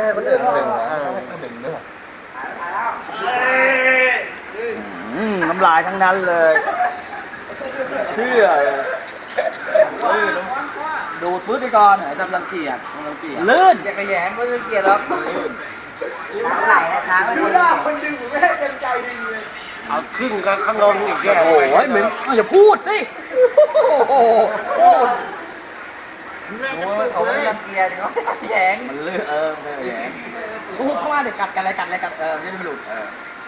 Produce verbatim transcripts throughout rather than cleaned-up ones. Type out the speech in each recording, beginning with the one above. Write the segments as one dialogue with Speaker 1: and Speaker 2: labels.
Speaker 1: ให้คนอื่นดึงดึงด้วยน้ำลายทั้งนั้นเลยเชื่อดูดพื้นไปก่อนจำรังเกียจรังเกียจลื่นอย่ากระแยงก็รังเกียจแล้ว
Speaker 2: ล้างไหลนะช้างดูหน้าคนดึงผมไม่ให้เต็มใจดึงเลยเอาขึ้นกับข้างลงอีกแก
Speaker 1: โอ้ยเหม็นอย่าพูดสิโอ้โหพูดเขาไม่รังเกียจเขาแยงมันลื่นเออไม่แยงพูดเข้ามาเดี๋ยวกัดกันอะไรกัดอะไรกัดเออไม่ได้ไม่หลุดเออ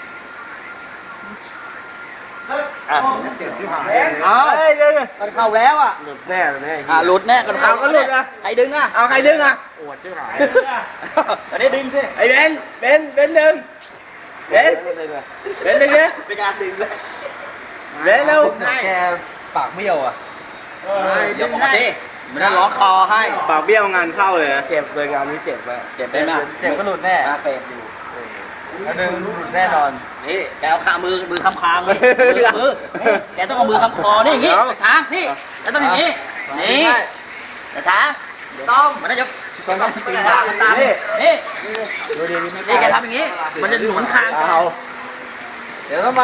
Speaker 1: อ่ะเอามันเข้าแล้วอ่ะ
Speaker 2: หลุดแน่เลย
Speaker 1: อ่ะหลุดแน่กันเข้าก็หลุดอ่ะใครดึงอ่ะเอาใครดึงอ่ะ
Speaker 2: ปวดชื่อหาย
Speaker 1: อันนี้ดึงสิ
Speaker 2: ไอ้เบนเบนเบนดึงเบนเบนดึงเลยเป็นการดึงเลยเบนเร็ว
Speaker 1: แกปากเบี้ยวอ่ะเดี๋ยวบอกดิมันจะร้องคอให้
Speaker 2: ปากเบี้ยวงานเข้าเลยเจ็บเลยงานนี้เจ็บไป
Speaker 1: เจ็บได้ไหมเจ็บก็หลุดแน่เฟรมอยู่แล้วดึงหลุดแน่นอนนี่แกเอาขามือมือคำคางเลยมือมือแกต้องเอามือคำคอนี่อย่างงี้ช้านี่แกต้องอย่างงี้นี่แต่ช้าต้องมันจะต้องต้องตีตาตามนี่นี่นี่แกทำอย่างงี้มันจะหนุนคางเอาเดี๋ยวทำไม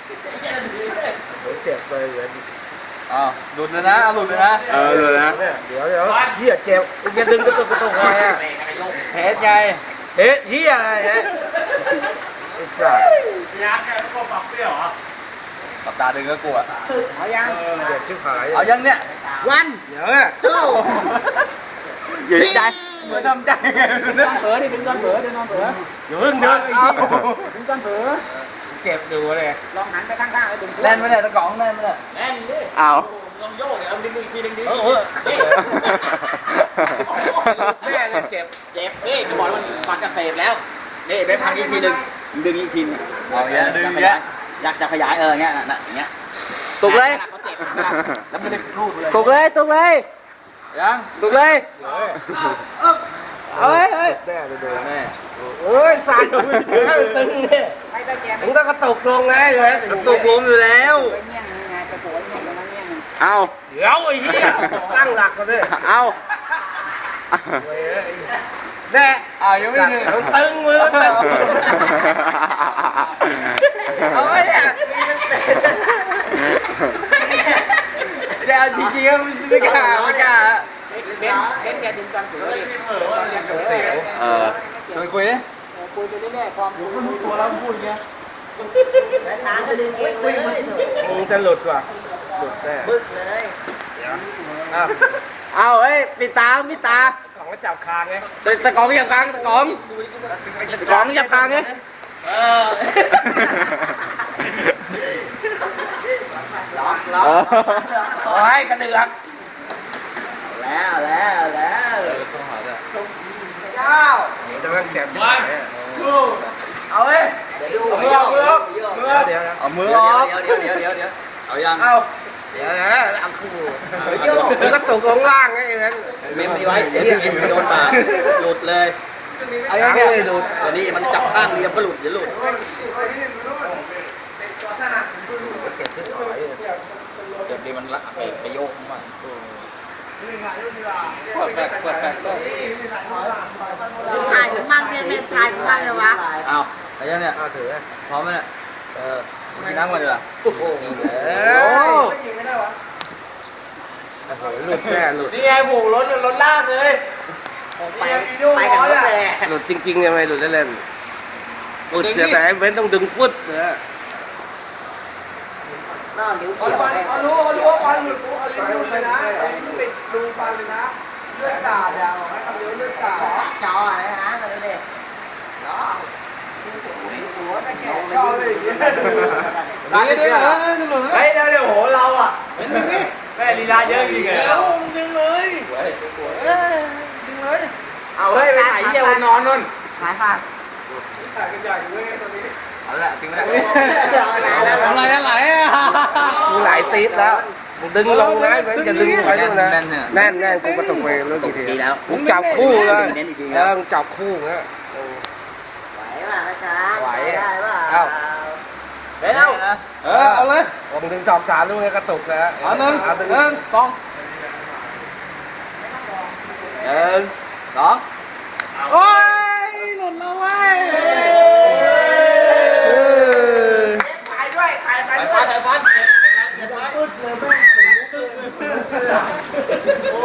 Speaker 2: เจ็บไปเลย
Speaker 1: อ๋อหลุดเลยนะหลุดเลยนะ
Speaker 2: เออหลุดนะเดี๋ยวเดี๋ยวเหี้ยเจ็บแกดึงกระตุกกระตุกไงอ่ะ
Speaker 1: เฮ็ดไง
Speaker 2: เฮ็ดเหี้ยอะไรฮะไอ้สัส
Speaker 3: ยากแกก็ปรับเปรี้ยวเหรอ
Speaker 1: ปรับตาดึงก็กลัว
Speaker 2: เอายังเจ็บชิบหาย
Speaker 1: เอายังเนี่ย
Speaker 2: วันเดี๋ยวอ่ะเจ้า
Speaker 1: อยู่ในใจเหมือนทำใจไงนอนเผลอดิเป็นนอนเผลอเดินนอนเผลอ
Speaker 2: อยู่เพิ่งเดินไอ้เหี้ย
Speaker 1: เป็นนอนเผลอ
Speaker 2: เจ็บดูเลย
Speaker 1: ลองหันไปข้างๆแล้วดึงแน่นไม่ได้ตะกองแน่นไม่ได้
Speaker 3: แน่นดิ
Speaker 1: เอา
Speaker 3: ลองโยกเนี่ยเอาดึงอีกทีดึงดิ
Speaker 1: เออ
Speaker 3: แน่เลยเจ็บเจ็บนี่จะบอกว่ามันมันจะเสพแล้ว
Speaker 1: นี่ไปพังอีกทีหนึ่งดึงอีกทีนึงเอาเงี้ยดึงเงี้ยอยากจะขยายเออเงี้ยน่ะอย่างเงี้ย
Speaker 2: ตุกเลย
Speaker 1: แล้วไม่ได้รูดเลย
Speaker 2: ตุกเลยตุกเลย
Speaker 1: ยัง
Speaker 2: ตุกเลยเฮ้ยเฮ้ยแน่เลยดูแน่โอ้ยสั่นตึงเนี่ยถึงต้องกระตุกลงไงเลย
Speaker 1: กระตุกลงอยู่แล้วเอา
Speaker 2: เดี๋ยวไอ้เหี้ยตั้งหลักกันเลย
Speaker 1: เอา
Speaker 2: แน่
Speaker 1: เอายังไม่ถึง
Speaker 2: ตึงมือตึงเอาไว้เนี่ย
Speaker 1: เดี๋ยวจริงๆก็ไม่กล้าไม่กล้า
Speaker 3: เบนเบนแกดึงกันถือเลย
Speaker 1: เออชวนคุยดิ
Speaker 3: คุยไปเรื่อยๆความรู้
Speaker 1: ตัวแล้วพูดเงี้ย
Speaker 2: แล้วช้างก็ดึงเองเลยมึงจะหลุดว่ะหลุดแน่บึ้งเลย
Speaker 1: เอาเฮ้ยปิดตาปิดตา
Speaker 2: ของก็จับคางไง
Speaker 1: ตะกองจับคางตะกองตะกองจับคางไงเออ
Speaker 2: ล็อกล็อก
Speaker 1: โอ้ยกระเดือก
Speaker 2: แล้วแล้วแล้ว
Speaker 1: ต้องหาด้วย
Speaker 2: เจ้าจะมันแสบวัน
Speaker 1: เอาเว้ย
Speaker 2: เอามือเอามือมือ
Speaker 1: เดี๋ยวเอามือออกเดี๋ยวเดี๋ยวเดี๋ยวเดี๋ยวเอายัง
Speaker 2: เอาเดี๋ยวนะเอาคู่มันก็ตกลงล่างไงงั้น
Speaker 1: เมมไว้เดี๋ยวเอ็นไปโดนปากหลุดเลย
Speaker 2: เอายังไงหลุด
Speaker 1: ตัวนี้มันจับข้างเดียวก็หลุดเดี๋ยวหลุดเดี๋ยวดีมันละไปไปโยกมันเปิดแปดเปิดแปด
Speaker 2: ถ่ายถึงมั่งเนี่ยไม่ถ่ายถึงมั่งเลยวะ
Speaker 1: เอาอะไรเนี่ยเอาถือพร้อมไหมเนี่ยเออกินน้ำก่อนดีกว่าโอ้โห
Speaker 2: หลุดแน่หลุด
Speaker 3: นี่ไงหมูรถรถลากเลย
Speaker 2: ไปไปกันรถแหละหลุดจริงๆยังไงหลุดได้เลยหลุดแต่เว้นต้องดึงพุทธเนี่ยน่านิ้วเกี่ยวเอารู้เอารู้ว่าฟันหลุดเอาลิ้นหลุดเลยนะเอาลิ้นปิดดูฟันเลยนะเลือดกาดยาวให้ทำเลือดเลือดกาดจออะไรนะมาดูดิเนาะหัวจะแก่จอเลยอย่างเงี้ยได้ได้ได้
Speaker 3: เฮ้ยเดี๋ยวเดี๋ยวโหเราอ่ะ
Speaker 2: เป็นยังไง
Speaker 3: แม่ลีลาเยอะจริงไง
Speaker 2: แล้วดึงเลยเอ้ยดึงเลย
Speaker 3: เอาเฮ้ยไปไหนเยี่ยวนอนนู่น
Speaker 2: หายขาด
Speaker 3: ถ่ายกันใหญ่เว้ยตอนนี้
Speaker 1: เอาละจริงแล้ว
Speaker 2: อะไรอะไรอ่ะมึงไหลตีดแล้วมึงดึงลงนะมึงจะดึงไปด้วยนะแน่นแน่นกูประตูเวรแล้วกี่ที
Speaker 1: แล้ว
Speaker 2: มึงจับคู่เลยเออมึงจับคู่เงี้ยไหวป่ะช้าไหวได้ป่ะเอ้าเฮ้ยเอาเออเอาเลยมึงดึงสองสามลูกให้กระตุกนะ
Speaker 1: เอาหนึ่งหนึ่งสองหนึ่งสอง
Speaker 2: โอ้ยโอ้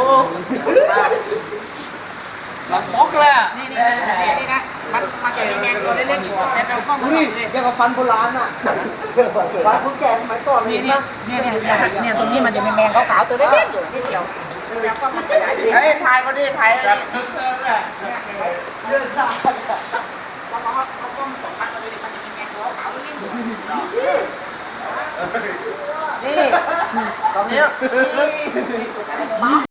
Speaker 1: หลังม็อกเลยอ่ะ
Speaker 3: นี่นี่นี่นี่นะมันมันจะมีแมงตัวเล็กๆแต่เราก็มา
Speaker 2: นี่ยังกับฟันโบราณอ่ะฟันคนแก่สมัยก่อน
Speaker 3: นี่
Speaker 2: เห็น
Speaker 3: นี่
Speaker 2: ปะ
Speaker 3: เนี่ยเนี่ยเนี่ยตรงนี้มันจะมีแมงขาวๆตัวเล็กๆอยู่นิดเดียวแล้วก็มันขยาย
Speaker 2: เฮ้ยถ่ายเขาดิถ่ายแบบเลือดสาด
Speaker 3: แล้วเขาเขาก็สองพันมาเลยมันจะมีแมงขาวๆตัวเล็กๆอยู่
Speaker 2: นี่ตรงนี้